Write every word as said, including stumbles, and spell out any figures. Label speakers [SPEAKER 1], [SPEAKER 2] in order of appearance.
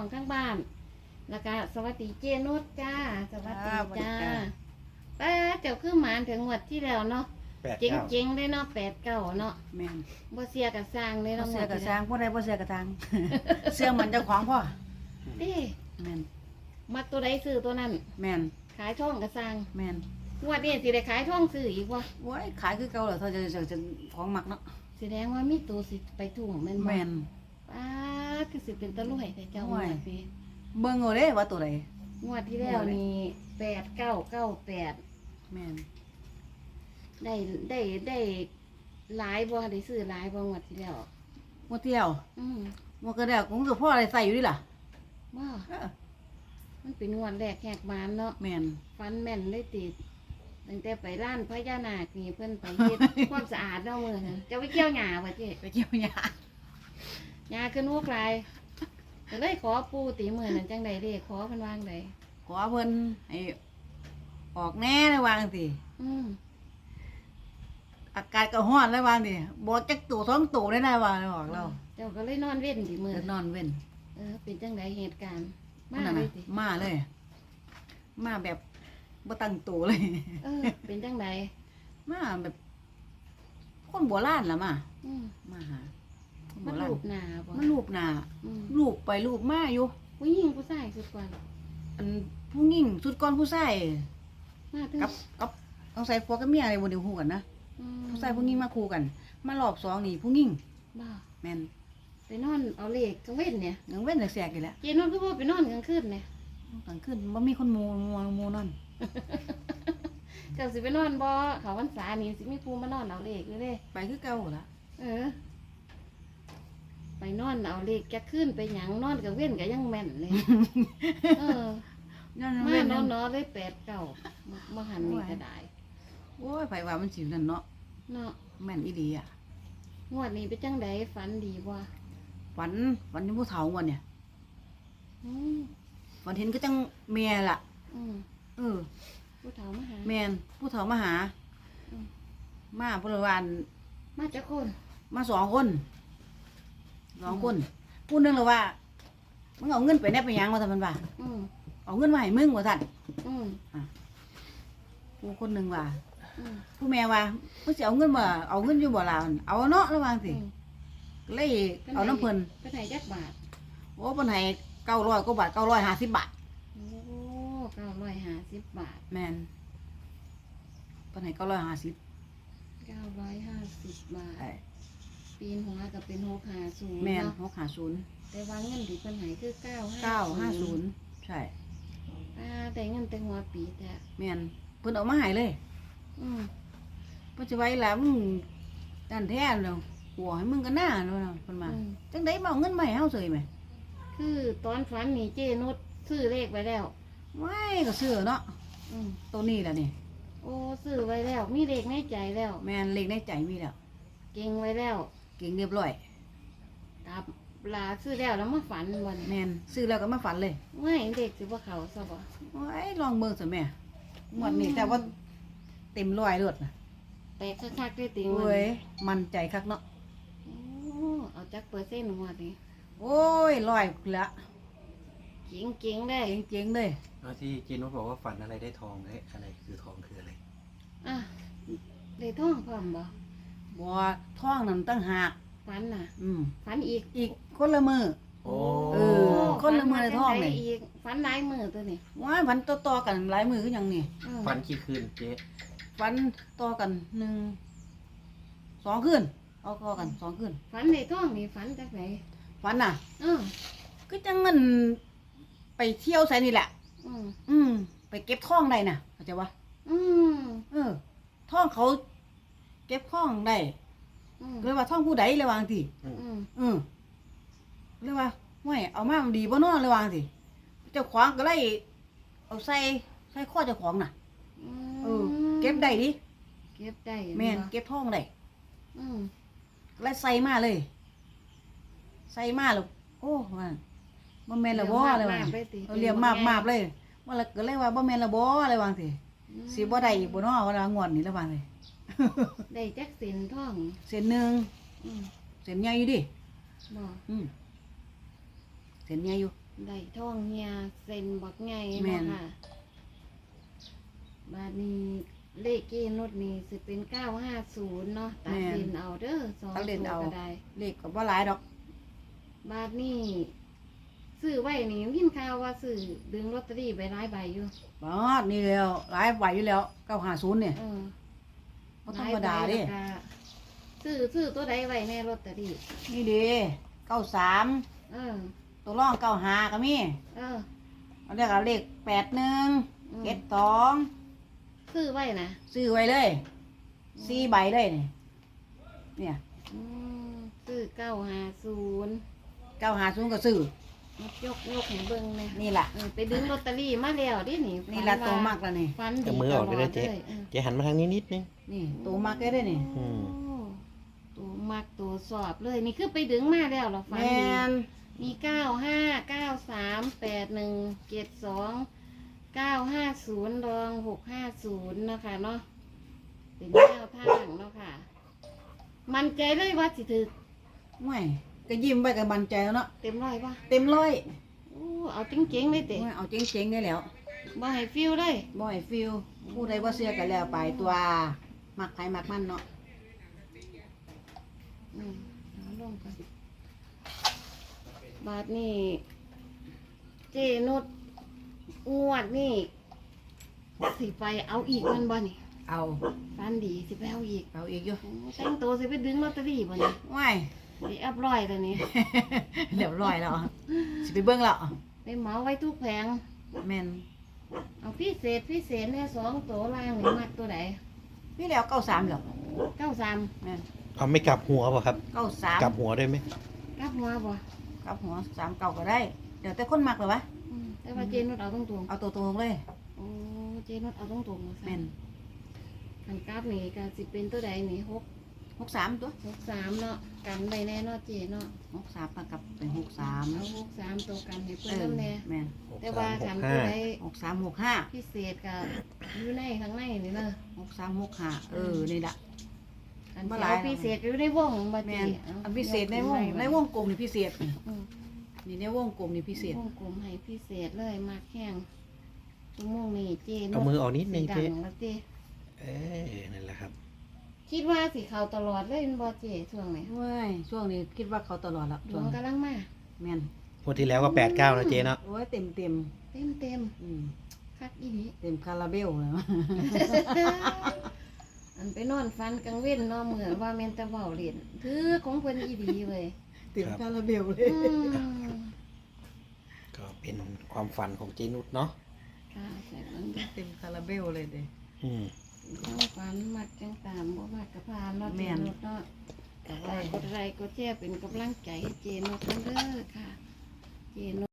[SPEAKER 1] องทั้งบ้านแล้วก็สวัสดีเจนุชจ้าสวัสดีจ้าป้าเจ้าคือหมานถึงงวดที่แล้วเนาะเจ๋งเจ๋งได้เนาะแปดเก้าเนาะ
[SPEAKER 2] แม่น
[SPEAKER 1] บ่เสียกับสร้างเลย
[SPEAKER 2] บ่
[SPEAKER 1] เนาะ
[SPEAKER 2] เสือกับสร้างบ่ได้บ่เสือกับทาง เสื้อมันเจ้าของพ่อ
[SPEAKER 1] เด้
[SPEAKER 2] แม่น
[SPEAKER 1] มักตัวใดซื้อตัวนั้น
[SPEAKER 2] แม่น
[SPEAKER 1] ขายท่องกับสร้าง
[SPEAKER 2] แม่น
[SPEAKER 1] งวดนี้สิได้ขายท่องซื้ออีกวะ
[SPEAKER 2] โอ้ยขายคือเก่าเหรอเธอจะจะจะของมักเนาะ
[SPEAKER 1] แสดงว่ามีตัวสิไปถุงแม่นบ่
[SPEAKER 2] แม่น
[SPEAKER 1] ป้าคือสิเป็นตะลุ่ยแต่เจ้า
[SPEAKER 2] โอ้
[SPEAKER 1] งวย ดนี้
[SPEAKER 2] เบิ่งเอาเด้ว่าตัวใด
[SPEAKER 1] งวดที่แล้วนี่แปดเก้าเก้าแปด
[SPEAKER 2] แม่น
[SPEAKER 1] ได้ได้ได้หลายบ่ได้ซื้อหลายบ่งวดที่แล้ว
[SPEAKER 2] บ่เที่ยว
[SPEAKER 1] อืม
[SPEAKER 2] บ่ก็ได้คงคือพ่ออะไรใส่อยู่ดิล่ะ
[SPEAKER 1] บ่
[SPEAKER 2] เออ
[SPEAKER 1] มันเป็นงวดแรกแหกมานเนาะ
[SPEAKER 2] แม่น
[SPEAKER 1] ฟันแม่นเลยติดตั้งแต่ไปร้านพญานาคนี่เพิ่นไปเฮ็ด ความสะอาดเนาะมื้อนั้นจะไปเกี่ยวหญ้าบ่เจ๊
[SPEAKER 2] ไปเกี่ยวหญ้า
[SPEAKER 1] หญ้าขึ้นหัวกลายก็เลยขอปู่ติมื้อนั้นจังได๋เด้ขอเพิ่นวางได
[SPEAKER 2] ขอเพิ่นให้ออกแน่เลยวาจังซี่
[SPEAKER 1] อืม
[SPEAKER 2] อากาศก็ร้อนเลยวาจังซี่บ่จักตัวสองตัวได้นะว่าออกแล้ว
[SPEAKER 1] เจ้าก็เลยนอนเว้นติมื้อ
[SPEAKER 2] เดินนอนเว้น
[SPEAKER 1] เออเป็นจังไดเหตุการณ์มา
[SPEAKER 2] นั่น
[SPEAKER 1] เล
[SPEAKER 2] น่ะ
[SPEAKER 1] ยติ
[SPEAKER 2] มาเลย มาแบบบ่ตั้งตัวเลย
[SPEAKER 1] เออเป็นจังได
[SPEAKER 2] มาแบบ คนโบราณล่ะมา
[SPEAKER 1] อืม
[SPEAKER 2] มาหาคนโบ
[SPEAKER 1] มัน
[SPEAKER 2] ราณ
[SPEAKER 1] รูปหน้าบ่
[SPEAKER 2] มันรูปหน้า
[SPEAKER 1] อืม
[SPEAKER 2] รูปไปรูปมาอยู่
[SPEAKER 1] ผู้หญิงผู้ชายสุดกว่า
[SPEAKER 2] อันผู้หญิงสุดก่อนผู้ชาย
[SPEAKER 1] มาถึง
[SPEAKER 2] กับกับต้องใส่ผัวกับเมียอะไรบ่ได้คู่กันนะ
[SPEAKER 1] อืม
[SPEAKER 2] ผู้ชายผู้หญิงมาคู่กัน มารอบสองนี่ผู้หญิง
[SPEAKER 1] บ่
[SPEAKER 2] แม่น
[SPEAKER 1] ไปนอนเอาเลขกลางเว้นเนี่ย
[SPEAKER 2] ยังเว้นแสกๆอยู่แหละ
[SPEAKER 1] เจนอนก็บ่ไปนอนกลางคืนเนี่ย
[SPEAKER 2] กลางคืนบ่มีคนหมู่หมู่หมู่นั่น
[SPEAKER 1] เจ้าสิไปนอนบ่เขาพรรษานี่สิมีผู้มานอนเอาเลขอยู่เด้
[SPEAKER 2] ไปคือเก่าล่ะ
[SPEAKER 1] เออ ไปนอนเอาเลขจะขึ้นไปหยังนอนกลางเว้นก็ยังแม่นเลย เออ
[SPEAKER 2] ย้อน
[SPEAKER 1] มา
[SPEAKER 2] เว้น
[SPEAKER 1] น
[SPEAKER 2] นั่
[SPEAKER 1] อน นๆเลยแปดเก้าบ่หันนี่ก็ได้
[SPEAKER 2] โอ้ยไผว่ามันสินั่นเนาะ
[SPEAKER 1] เนาะ
[SPEAKER 2] แม่นอีหลีอ่ะ
[SPEAKER 1] งวดนี้เป็นจังไดฝันดีบ่
[SPEAKER 2] ฝันฝันเห็นผู้เฒ่าวันเนี่ย
[SPEAKER 1] อืม
[SPEAKER 2] ฝันเห็นก็จังแม่ล่ะ
[SPEAKER 1] อืม
[SPEAKER 2] เออ
[SPEAKER 1] ผู้เฒ่ามาหา
[SPEAKER 2] แม่นผู้เฒ่ามาหา
[SPEAKER 1] อืม
[SPEAKER 2] มาเพนวัน
[SPEAKER 1] มาจากคน
[SPEAKER 2] มาสองคนสองคนผู้หนึงเลยว่ามึงเอาเงินไปแนบไปหยังว่าท่านมันว่า
[SPEAKER 1] อืม
[SPEAKER 2] เอาเงินมาให้มึงว่าท่าน
[SPEAKER 1] อืม
[SPEAKER 2] ผู้คนหนึ่งว่า
[SPEAKER 1] อืม
[SPEAKER 2] ผู้แม่ว่ามึงสิเอาเงินมาเอาเงินอยู่บ่ล่ะเอาเนาะระวังสิ
[SPEAKER 1] อืม
[SPEAKER 2] ก็เลยเอาน้ำเพิ่น
[SPEAKER 1] ไปไหนจักบาท
[SPEAKER 2] โอ้เพิ่นให้เก้าร้อยกว่าบาทเก้าร้อยห้าสิบบาท
[SPEAKER 1] โอ้เก้าร้อยห้าสิบบาท
[SPEAKER 2] แม่นเพิ่นให้เก้าร้อยห้าสิบ
[SPEAKER 1] เก้าร้อยห้าสิบบาท
[SPEAKER 2] ไอ้
[SPEAKER 1] ปีนหัวก็เป็นหกห้าศูนย์
[SPEAKER 2] แม่น
[SPEAKER 1] เนาะ
[SPEAKER 2] หกห้าศูนย์
[SPEAKER 1] แต่ว่าเงินที่เพิ่นให้คือเก้า
[SPEAKER 2] เก้าห้าศูนย์ใช่
[SPEAKER 1] อ่าแต่เงินแต่หัวปีแต่
[SPEAKER 2] แม่นเพิ่นเอามาให้เลย
[SPEAKER 1] อืม
[SPEAKER 2] เพิ่นสิไว้ล่ะมึงนั่นแท้แล้วหัวให้มึงกันหน้าเนาะเพิ่นมา
[SPEAKER 1] อืม
[SPEAKER 2] จังได๋มาเอาเงินมาให้เฮาเฉยไหม
[SPEAKER 1] คือตอนฝันนี่เจนุชซื้อเลขไว้แล้ว
[SPEAKER 2] ว้ายก็ซื้อเนาะ
[SPEAKER 1] อืม
[SPEAKER 2] ตัวนี้ล่ะนี่
[SPEAKER 1] โอ้ซื้อไว้แล้ว มีเลขในใจแล้ว
[SPEAKER 2] แม่นเลขในใจมีแล้ว
[SPEAKER 1] เก่งไว้แล้ว
[SPEAKER 2] เก่งเรียบร้อย
[SPEAKER 1] ครับลาซื้อแล้วแล้วมาฝันวัน
[SPEAKER 2] แม่นซื้อแล้วก็มาฝันเลย
[SPEAKER 1] ไม่เด็กสิบ่เขาซะบ่
[SPEAKER 2] ว้ายลองเบิ่งซะแม่งวดนี้แต่ว่าเต็มร้อยรถน่ะ
[SPEAKER 1] แตกคักๆได้ติง
[SPEAKER 2] โอ้ยมั่นใจคักเนาะ
[SPEAKER 1] โอ้เอาจักเปอร์เซ็นต์งวดนี้
[SPEAKER 2] โอ้ยร้อยละ
[SPEAKER 1] เก่งๆได้
[SPEAKER 2] เจ๋งๆเลย
[SPEAKER 3] แล้วที่จีนุชบอกว่าฝันอะไรได้ทองเอ้ยอะไรคือทองคืออะไร
[SPEAKER 1] อ่ะได้ท่องพร้อมบ่
[SPEAKER 2] บ่ท้องนั่นตั้งหาก
[SPEAKER 1] ฝันน่ะ
[SPEAKER 2] อืม
[SPEAKER 1] ฝันอีก
[SPEAKER 2] อีกคนละมือ
[SPEAKER 3] โอ้
[SPEAKER 2] เออ คนละมื้อในท้องนี่
[SPEAKER 1] ฝัมาจัใดอีกฝันหลายมือตัวนี่
[SPEAKER 2] ว้ายฝันต่อๆกันหลายมือคือหยังนี่
[SPEAKER 1] เออ
[SPEAKER 3] ฝันกี่คืนเจ๊
[SPEAKER 2] ฝันต่อกันหนึ่งสองคืนเอาต่อกันสองคืน
[SPEAKER 1] ฝันในท้องนี่ฝันจากไหน
[SPEAKER 2] ฝันน่ะ
[SPEAKER 1] เออ
[SPEAKER 2] ก็จังเงินไปเที่ยวไสนี่แหละ
[SPEAKER 1] อืม
[SPEAKER 2] อืมไปเก็บท่องได้น่ะเข้าใจปะ
[SPEAKER 1] อืม
[SPEAKER 2] เออท่องเขาเก็บท่องได้
[SPEAKER 1] อืม
[SPEAKER 2] ก็เลยว่าท่องผู้ใดเลยวาจังที
[SPEAKER 1] อืม
[SPEAKER 2] อืมเลยว่าไม่เอามามันดีบ่เนาะเลยวาจังทีเจ้าของก็เลยเอาใส่ใส่ข้อเจ้าของน่ะ เออ เก็บได้ดิ
[SPEAKER 1] เก็บได้
[SPEAKER 2] แม่น
[SPEAKER 1] บ่
[SPEAKER 2] เก็บท่องได้
[SPEAKER 1] อืม
[SPEAKER 2] ก็เลยใส่มาเลย ใส่มาแล้วโอ้ว่าบ่แม่นละบ่เลยว่า
[SPEAKER 1] ไปติ
[SPEAKER 2] เอาเรียมมาบๆเลยว่าแล้วก็เลยว่าบ่แม่นละบ่เลยวาจังที
[SPEAKER 1] อืม
[SPEAKER 2] สิบ่ได้อีกบ่เนาะว่าละงวดนี้ละว่าเลย
[SPEAKER 1] ได้จักสินท่อง
[SPEAKER 2] เส้นหนึง
[SPEAKER 1] อืม
[SPEAKER 2] เส้นใหญ่อยู่ดิ
[SPEAKER 1] บ่
[SPEAKER 2] อืมเส้นใหญ่อยู่
[SPEAKER 1] ได้ท่องเฮียเซ็นบักไง
[SPEAKER 2] แม่
[SPEAKER 1] เนาะ
[SPEAKER 2] น
[SPEAKER 1] ค่ะบาดนี้เลขเกนดนี่สิเป็นเก้าห้าศูนย์เนาะตัดเลนเอาเด้อสอง
[SPEAKER 2] ตัดเลน
[SPEAKER 1] ตัว
[SPEAKER 2] เอา
[SPEAKER 1] ก็ได้
[SPEAKER 2] เลขก็บ่หลายดอก
[SPEAKER 1] บาดนี้ซื้อไว้นี่ยินข่าวว่าซื้อดึงลอตเตอรี่ไปหลายใบอยู่
[SPEAKER 2] บาดนี่แล้วหลายใบอยู่แล้วเก้าห้าศูนย์เนี่ย
[SPEAKER 1] เออ
[SPEAKER 2] บ่ธรรมดาเด้
[SPEAKER 1] หลยใบแล้วก็ซื้อซื้อตัวใดไว้ในลอตเตอรี่
[SPEAKER 2] นี่เด้เก้าสาม
[SPEAKER 1] เออ
[SPEAKER 2] ตัวร่องเก้าห้าก็มี
[SPEAKER 1] เออ
[SPEAKER 2] อันนี้ก็เลขแปดหนึ่ง
[SPEAKER 1] อืม
[SPEAKER 2] เจ็ดสอง
[SPEAKER 1] ซื้อไว้นะ
[SPEAKER 2] ซื้อไว้เลยสี่ใบเลยนี่เนี่ย
[SPEAKER 1] อืมซื้อเก้าห้าศูนย์
[SPEAKER 2] เก้าห้าศูนย์ก็ซื้อย
[SPEAKER 1] กยกให้เบิ่งเลย
[SPEAKER 2] นี่ล่ะ
[SPEAKER 1] เออไปดึงลอตเตอรี่มาแล้วดิหนิ
[SPEAKER 2] นี่ล่ะตัวมากแล้วนี่
[SPEAKER 1] ฟันดี
[SPEAKER 3] เอามือออกได้เลยเจ๊
[SPEAKER 1] ตลอออ
[SPEAKER 3] เจ๊หันมาทางนี้นิดนึง
[SPEAKER 2] นี่ตัวมากได้เลยนี่
[SPEAKER 3] อืม
[SPEAKER 1] โอ้ตัวมักตัวสอบเลย นี่คือไปดึงมาแล้วเหรอฟัน
[SPEAKER 2] แม
[SPEAKER 1] ดี
[SPEAKER 2] น
[SPEAKER 1] มีเก้าห้าเก้าสามแปดหนึ่งเจ็ดสองเก้าห้าศูนย์รองหกห้าศูนย์นะคะเนาะเป็นแนวทางเนาะค่ะ มันใจเลยว่าสิถือ
[SPEAKER 2] ไม่ก็ยิ้มไปกับบันใจแล้วเนาะ
[SPEAKER 1] เต็มร้อยป่ะ
[SPEAKER 2] เต็มร้อย
[SPEAKER 1] โอ้เอาจริงๆเลยเตะ
[SPEAKER 2] โอ้ยเอาเจ๋งๆได้แล้ว
[SPEAKER 1] บ่ให้ฟิลเลย
[SPEAKER 2] บ่ให้ฟิลผู้ใดบ่เสียกันแล้วไปตัวมักใครมักมันเนาะ
[SPEAKER 1] อืมเอาลงก่อนบาทนี่เจนุดงวดนี่สิไปเอาอีกมันบ่นี่
[SPEAKER 2] เอา
[SPEAKER 1] ฟันดีสิไปเอาอีก
[SPEAKER 2] เอาอีกอยู่
[SPEAKER 1] โอ้แต่งตัวสิไปดึงลอตเตอรี่บ่นี่
[SPEAKER 2] ว้าย
[SPEAKER 1] สิอัพร้อยแล้วนี่
[SPEAKER 2] เรียบร้อยแล้วสิไปเบิ่งแล้ว
[SPEAKER 1] ไปเหมาไว้ทุกแผง
[SPEAKER 2] แม่น
[SPEAKER 1] เอาพิเศษพิเศษเนี่ยสองตัวล่างนี่มัดตัวไหน
[SPEAKER 2] นี่แล้วเก้าสามแล้ว
[SPEAKER 1] เก้าสาม
[SPEAKER 2] แม่น
[SPEAKER 3] เอาไม่กลับหัวป่ะครับ
[SPEAKER 2] เก้าสาม
[SPEAKER 3] กลับหัวได้ไหม
[SPEAKER 1] กลับหัวบ่
[SPEAKER 2] กลับหัวสามเก้าก็ได้เดี๋ยวแต่คนมักเลยวะ
[SPEAKER 1] อืมแต่ว่าเจนุดเอาตรง
[SPEAKER 2] เอาตัวตรงเลย
[SPEAKER 1] ๆโอ้เจนุดเอาตรงๆนะ
[SPEAKER 2] แม่น
[SPEAKER 1] ขันกราฟนี่ก็สิเป็นตัวใดนี่หก
[SPEAKER 2] หกสามตัว
[SPEAKER 1] หกสามเนาะกันไปแน่เนาะเจเนาะ
[SPEAKER 2] หกสามกับเป็นหกสาม
[SPEAKER 1] เอาหกสามตัวกันให้
[SPEAKER 2] เอ
[SPEAKER 1] เพื่อน
[SPEAKER 2] อ
[SPEAKER 1] น้ำแน่
[SPEAKER 2] แม่น
[SPEAKER 1] แต่ว่า
[SPEAKER 3] หก
[SPEAKER 1] ขัน
[SPEAKER 3] สาม
[SPEAKER 1] ตัว
[SPEAKER 3] หก
[SPEAKER 1] ใด
[SPEAKER 3] ห้า
[SPEAKER 2] หกสามหกห้า
[SPEAKER 1] พิเศษกับอยู่ในข้างในนี่เนาะ
[SPEAKER 2] หกสามหกห้าเออนี่ละ
[SPEAKER 1] อัน
[SPEAKER 2] บ่
[SPEAKER 1] เดี
[SPEAKER 2] หลาย
[SPEAKER 1] ยวพิเศษอยู่ในวงมา
[SPEAKER 2] แม่
[SPEAKER 1] เจ
[SPEAKER 2] น
[SPEAKER 1] เอา
[SPEAKER 2] อันพิเศษในวงในวงกลมนี่พิเศษนี่
[SPEAKER 1] อืม
[SPEAKER 2] นี่ในวงกลมนี่พิเศษ
[SPEAKER 1] วงกลมให้พิเศษเลยมากแข้งชั่วโมงนี้เจ
[SPEAKER 3] เอามือออกนิดนึง
[SPEAKER 1] ดั
[SPEAKER 3] เจ๊
[SPEAKER 1] งแล้วเจ
[SPEAKER 3] เออนั่นแหละครับ
[SPEAKER 1] คิดว่าสิเขาตลอดเลยแม่นบ่เจช่วงไหน
[SPEAKER 2] ว้ายช่วงนี้คิดว่าเขาตลอดละ
[SPEAKER 1] ด
[SPEAKER 2] ช่
[SPEAKER 1] ว
[SPEAKER 2] ว
[SPEAKER 1] ง
[SPEAKER 2] ง
[SPEAKER 1] กำลังมา
[SPEAKER 2] แม่น
[SPEAKER 3] งวดที่แล้วก็แปดเก้านะเจ๊เนาะ
[SPEAKER 2] โอ้ยเต็มเต็ม
[SPEAKER 1] เต็มเต็ม
[SPEAKER 2] อืม
[SPEAKER 1] ๆคักอีนี้
[SPEAKER 2] เต็มคาราเบลเลย
[SPEAKER 1] อันไปนอนฟันกลางเว้นเนอนเหมือนว่าแม่นแตะเว้าเล่นถือของเพิ่นอีดีเว้ย
[SPEAKER 2] เต็มคาราเบลเลย
[SPEAKER 1] อืม
[SPEAKER 3] ก็เป็นความฝันของเจนุชเนาะ
[SPEAKER 1] ค่ะใช่มัน
[SPEAKER 2] เต็มคาราเบลเลยเด้
[SPEAKER 3] อืม
[SPEAKER 1] ทั้งฝันมักจังตามบ่มักกะพานเนาะ
[SPEAKER 2] แม่
[SPEAKER 1] เจ
[SPEAKER 2] น
[SPEAKER 1] นุชเนาะแต่ว่ากดไลค์กดแชร์เป็นกำลังใจให้เจนุชกันเด้อค่ะ เจนุช